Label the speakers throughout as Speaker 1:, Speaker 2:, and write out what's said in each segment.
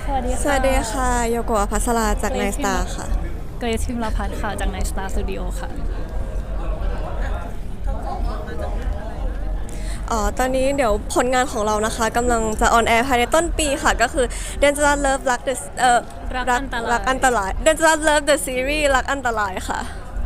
Speaker 1: สวัสดีค่ะโยโกะภัสราจากไนสตาร์ค่ะ
Speaker 2: เกรซพิมรพัฒน์ค่ะจากใน Star Studio ค่ะ
Speaker 1: ตอนนี้เดี๋ยวผลงานของเรานะคะกำลังจะออนแอร์ภายในต้นปีค่ะก็คือ Dangerous Love รัก The รักอันตราย Dangerous Love The Series รักอันตรายค่ะ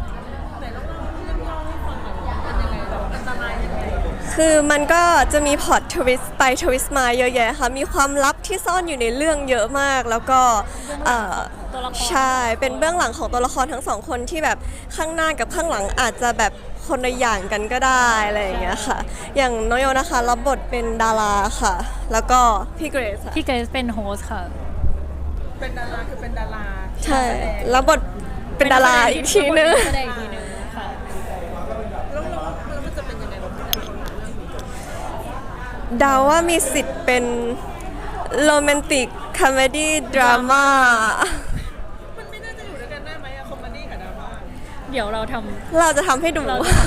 Speaker 1: คือมันก็จะมีพล็อตทวิสต์ไปทวิสต์มาเยอะแยะค่ะมีความลับที่ซ่อนอยู่ในเรื่องเยอะมากแล้วก็ใช่เป็นเบื้องหลังของตัวละครทั้งสองคนที่แบบข้างหน้ากับข้างหลังอาจจะแบบคนละอย่างกันก็ได้อะไรอย่างเงี้ยค่ะอย่างน้องโยนะคะรับบทเป็นดาราค่ะแล้วก็พี่เกรซค่ะ
Speaker 2: พี่เกรซเป็นโฮสค่ะ
Speaker 3: เป็นดาราคือเป็นดารา
Speaker 1: ใช่รับบทเป็นดาราอีกทีนึง
Speaker 2: แสดงอีกทีนึงค่ะ
Speaker 3: แล้วมันจะเป็นยังไงบ้าง
Speaker 1: เดาว่ามีสิทธิ์เป็นโรแมนติกคอมเมดี้ดราม่า
Speaker 3: มันไม่น่าจะอยู่ด้วยกันได้ไหมอะคอมเมดี้กับดราม่า
Speaker 2: เดี๋ยวเรา
Speaker 1: จะทำให้ดู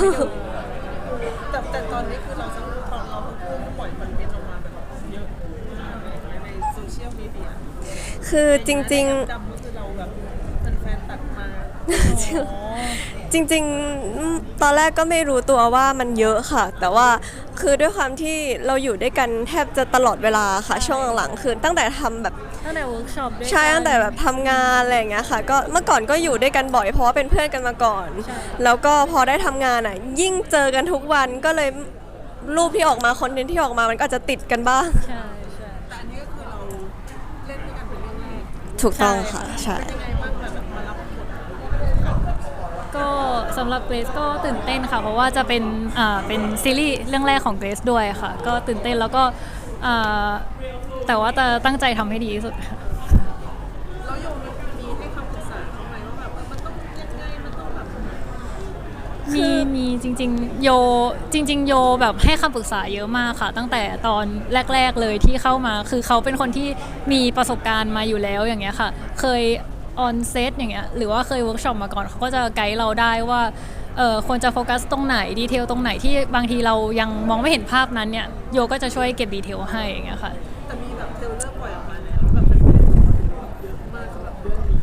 Speaker 3: แต่ตอนนี้คือเราทั้งคู่ปล่อยคอนเทนต์ออกมาแบบเยอะมากเลยในโซเชียลมีเดีย
Speaker 1: คือจริง
Speaker 3: จำก็คือเราแบบแฟนตัดมา
Speaker 1: จริงๆตอนแรกก็ไม่รู้ตัวว่ามันเยอะค่ะแต่ว่าคือด้วยความที่เราอยู่ด้วยกันแทบจะตลอดเวลาค่ะช่วงหลังๆคือตั้งแต่ทำแบบ
Speaker 2: ตั้งแต่เวิร์กช็อปด้วย
Speaker 1: ใช่ตั้งแต่แบบทำงานอะไรอย่างเงี้ยค่ะก็เมื่อก่อนก็อยู่ด้วยกันบ่อยเพราะว่าเป็นเพื่อนกันมาก่อนแล้วก็พอได้ทำงานอ่ะยิ่งเจอกันทุกวันก็เลยรูปที่ออกมาคอนเทนต์ที่ออกมามันก็อาจจะติดกันบ้าง
Speaker 2: ใช่
Speaker 3: แต่อันนี้ก็คือเราเล่นด้วยกันเป็นเรื่องแรก
Speaker 1: ถูกต้องค่ะใช่
Speaker 3: เป็นยังไงบ้างแบบมารับบท
Speaker 2: ก็สำหรับเกรซก็ตื่นเต้นค่ะเพราะว่าจะเป็นซีรีส์เรื่องแรกของเกรซด้วยค่ะก็ตื่นเต้นแล้วก็แต่ว่าจะตั้งใจทำให้ดีที่สุดค่ะ
Speaker 3: แล้วโยมมีให้คำปรึกษาเขาไหมว่าแบบมันต้องยังไงมันต้องแบบ
Speaker 2: มีจริงๆโยแบบให้คำปรึกษาเยอะมากค่ะตั้งแต่ตอนแรกๆเลยที่เข้ามาคือเขาเป็นคนที่มีประสบการณ์มาอยู่แล้วอย่างเงี้ยค่ะเคยออนเซตอย่างเงี้ยหรือว่าเคยเวิร์กช็อปมาก่อนเขาก็จะไกด์เราได้ว่าควรจะโฟกัสตรงไหนดีเทลตรงไหนที่บางทีเรายังมองไม่เห็นภาพนั้นเนี่ยโยก็จะช่วยเก็บดีเทลให้อย่างเงี้ยค่ะ
Speaker 3: แต่มีแบบเทรลเลอร์ปล่อยออกมาแล้วแบบเป็นเยอะมากสำหรับเรื่องนี้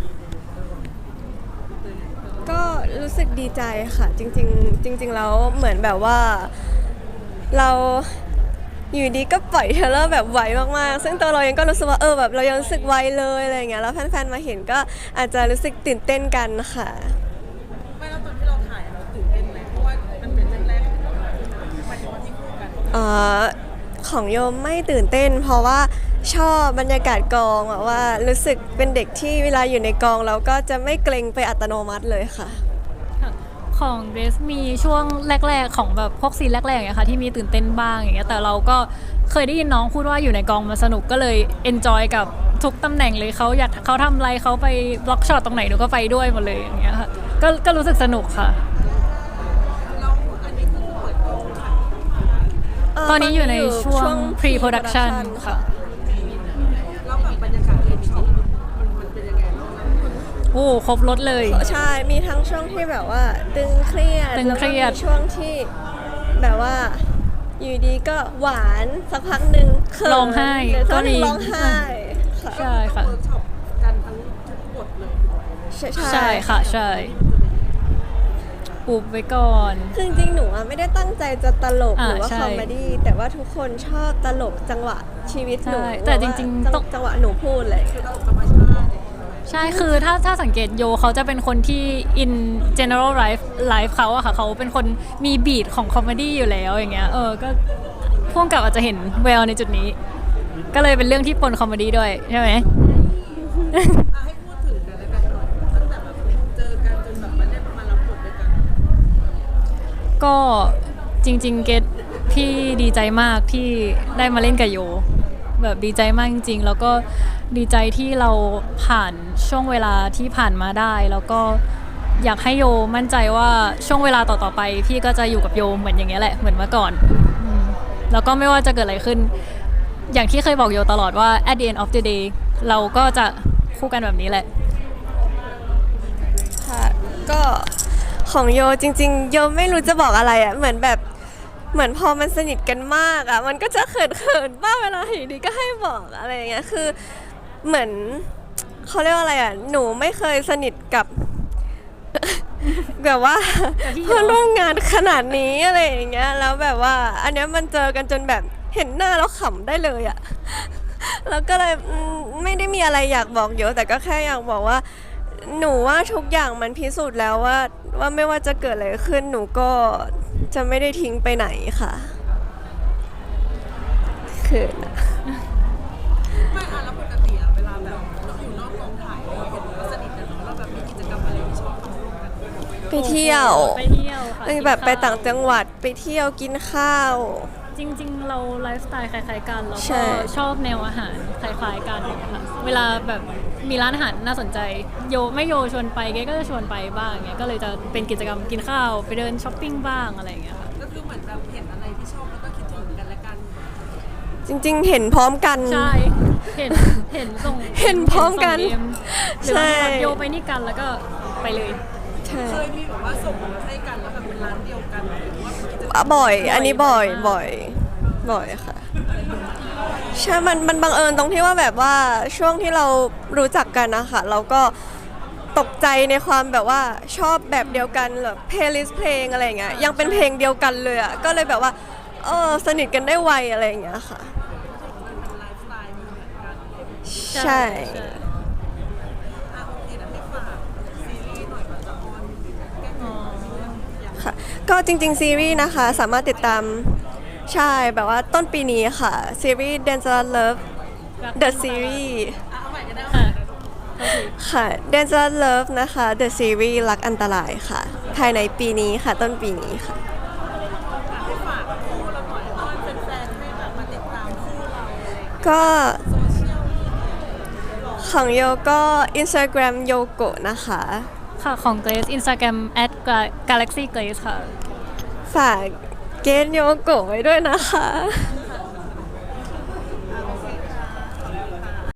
Speaker 1: ก็รู้สึกดีใจค่ะจริงๆแล้วเหมือนแบบว่าเราอยู่ดีก็ปล่อยเทรลเลอร์แบบไวมากๆซึ่งตัวเราเองก็รู้สึกว่าแบบเรายังรู้สึกไวเลยอะไรอย่างเงี้ยแล้วแฟนๆมาเห็นก็อาจจะรู้สึกตื่นเต้นกันค่ะ
Speaker 3: ไม่แล้วตอนที่เราถ่ายเราตื่นเต้นไหมเพราะว่ามันเป็นเรื่องแรกของเราหมายถึงว่าที่คู่กัน
Speaker 1: ของโยมไม่ตื่นเต้นเพราะว่าชอบบรรยากาศกองแบบว่ารู้สึกเป็นเด็กที่เวลาอยู่ในกองเราก็จะไม่เกรงไปอัตโนมัติเลยค่ะ
Speaker 2: ของเดรสมีช่วงแรกๆของแบบพวกซีนแรกๆอย่างเงี้ยค่ะที่มีตื่นเต้นบ้างอย่างเงี้ยแต่เราก็เคยได้ยินน้องพูดว่าอยู่ในกองมาสนุกก็เลยเอนจอยกับทุกตำแหน่งเลยเขาทำอะไรเขาไปบล็อกช็อตตรงไหนหนูก็ไปด้วยหมดเลยอย่างเงี้ยค่ะก็รู้สึกสนุกค่ะตอนนี้อยู่ในช่วง pre-production ค่ะ
Speaker 3: แล้วแบบบรรยากาศเวิร์กช็อปมันเป็นยังไงบ้าง
Speaker 2: โอ้ครบรถเลย
Speaker 1: ใช่มีทั้งช่วงที่แบบว่าตึงเครียดแล้วก็มีช่วงที่แบบว่าอยู่ดีก็หวานสักพักหนึ่ง
Speaker 2: ร้องไห้
Speaker 1: ก็มีร้องไห้
Speaker 2: ใช่ค่ะ
Speaker 3: เวิร์กช็อปกันทั้งทุกบทเลย
Speaker 2: ใช่ค่ะใช่อุบไว้ก่อน
Speaker 1: คือจริงๆหนูไม่ได้ตั้งใจจะตลกหรือว่าคอมเมดี้แต่ว่าทุกคนชอบตลกจังหวะชีวิตหนู
Speaker 2: แต่จริงๆ
Speaker 1: จังหวะหนูพูดเลย
Speaker 3: คือตลกธรรมชาติ
Speaker 2: ใช่คือถ้าสังเกตโยเขาจะเป็นคนที่ in general life เขาอะค่ะเขาเป็นคนมีบีทของคอมเมดี้อยู่แล้วอย่างเงี้ยก็พ่วงกับอาจจะเห็นแววในจุดนี้ก็เลยเป็นเรื่องที่ปนคอมเมดี้ด้วยใช่ไหม
Speaker 3: ให้พูดถึงกันแล้วกันหน่อยตั้งแต่แบบเจอกันจนแบบมาได้มารับบทด้วยกัน
Speaker 2: ก็จริงๆเกตพี่ดีใจมากที่ได้มาเล่นกับโยแบบดีใจมากจริงๆแล้วก็ดีใจที่เราผ่านช่วงเวลาที่ผ่านมาได้แล้วก็อยากให้โยมั่นใจว่าช่วงเวลาต่อๆไปพี่ก็จะอยู่กับโยเหมือนอย่างเงี้ยแหละเหมือนเมื่อก่อนแล้วก็ไม่ว่าจะเกิดอะไรขึ้นอย่างที่เคยบอกโยตลอดว่า at the end of the day เราก็จะคู่กันแบบนี้แหละ
Speaker 1: ค่ะก็ของโยจริงๆโยไม่รู้จะบอกอะไรเหมือนพอมันสนิทกันมากมันก็จะเขินๆบ้างเวลาอยู่ดีก็ให้บอกอะไรอย่างเงี้ยคือเหมือนเขาเรียกว่าอะไรอ่ะหนูไม่เคยสนิทกับ แบบว่า
Speaker 2: กับพี่เหรอ
Speaker 1: เพื่อนร่วมงานขนาดนี้อะไรอย่างเงี้ยแล้วแบบว่าอันเนี้ยมันเจอกันจนแบบเห็นหน้าแล้วขำได้เลยอ่ะ แล้วก็เลยไม่ได้มีอะไรอยากบอกเยอะแต่ก็แค่อยากบอกว่า หนูว่าทุกอย่างมันพิสูจน์แล้วว่าไม่ว่าจะเกิดอะไรขึ้นหนูก็จะไม่ได้ทิ้งไปไหนค่ะเขินอะ
Speaker 3: ไม่แล้วปกติอะเวลาแบบเราอยู่นอกกองถ่ายเราเห็นว่าสนิทกันเนาะเราแบบมีกิจกรรมอะไรที่ชอบทำร่วมกัน
Speaker 1: ไปเที่ยว
Speaker 2: ไปเที่ยวค่ะ
Speaker 1: แบบไป
Speaker 2: กินข้ว
Speaker 1: ต่างจังหวัดไปเที่ยวกินข้าว
Speaker 2: จริงๆ เราไลฟ์สไตล์คล้ายๆกันแล้ว
Speaker 1: ใช่
Speaker 2: ก็ชอบแนวอาหารคล้ายๆกันอย่างเงี้ยค่ะเวลาแบบมีร้านอาหารน่าสนใจโยไม่โยชวนไปเก๊ก็จะชวนไปบ้างเงี้ยก็เลยจะเป็นกิจกรรมกินข้าวไปเดินช้อปปิ้งบ้างอะไรอย่างเงี้ยค่ะ
Speaker 3: ก็คือเหมือนแบบเห็นอะไรที่ชอบแล้วก็คิดถึงกันและกัน
Speaker 1: จริงๆ เห็นพร้อมกัน
Speaker 2: ใช่เห็นส่ง
Speaker 1: เห็นพร้อมกัน
Speaker 2: ส่ง DM หรือ
Speaker 1: ใช่
Speaker 2: ว่าโยไปนี่กันแล้วก็ไปเลย
Speaker 1: ใช่
Speaker 3: เคยมีแบบว่าส่งมาให้กันแล้วแบบเป็นร้านเดียวกันหรือว่าเป็นกิจกรรม
Speaker 1: บ่อย อันนี้บ่อย
Speaker 2: มาก
Speaker 1: บ่อยค่ะใช่มันบังเอิญตรงที่ว่าแบบว่าช่วงที่เรารู้จักกันนะคะเราก็ตกใจในความแบบว่าชอบแบบเดียวกันแบบเพลย์ลิสต์เพลงอะไรอย่างเงี้ยยังเป็นเพลงเดียวกันเลยอ่ะก็เลยแบบว่าสนิทกันได้ไวอะไรอย่างเงี้ยค่ะ
Speaker 3: เป็นไลฟ์สไตล์เหมือนกัน
Speaker 1: ใช่
Speaker 3: โอเคนะให้ฝากซีรีส์หน่อยว่าจะออนแก้ตัวอย่าง
Speaker 1: ค่ะก็จริงๆ ซีรีส์นะคะสามารถติดตามใช่แบบว่าต้นปีนี้ค่ะ ซีรีส์ Dangerous Love The Series
Speaker 3: เอาใหม่ก็ได้
Speaker 2: ค่ะโอเค
Speaker 1: ค่ะ Dangerous Love นะคะ The Series รักอันตรายค่ะ ภายในปีนี้ค่ะ ต้นปีนี้ค่ะ
Speaker 3: ให้ฝากคู่เราหน่อยอ้อนแฟนๆให้แบบมาติดตามคู่เราอะไรอย่างเงี้ย
Speaker 1: ก็
Speaker 3: โซเชียลมีเดีย
Speaker 1: ของโยก็ Instagram โยโกะนะคะ
Speaker 2: ค่ะของ Grace Instagram @galaxy grace ค่ะ
Speaker 1: ฝากเกณฑ์โยโกะไว้ด้วยนะคะ
Speaker 3: ค่ะ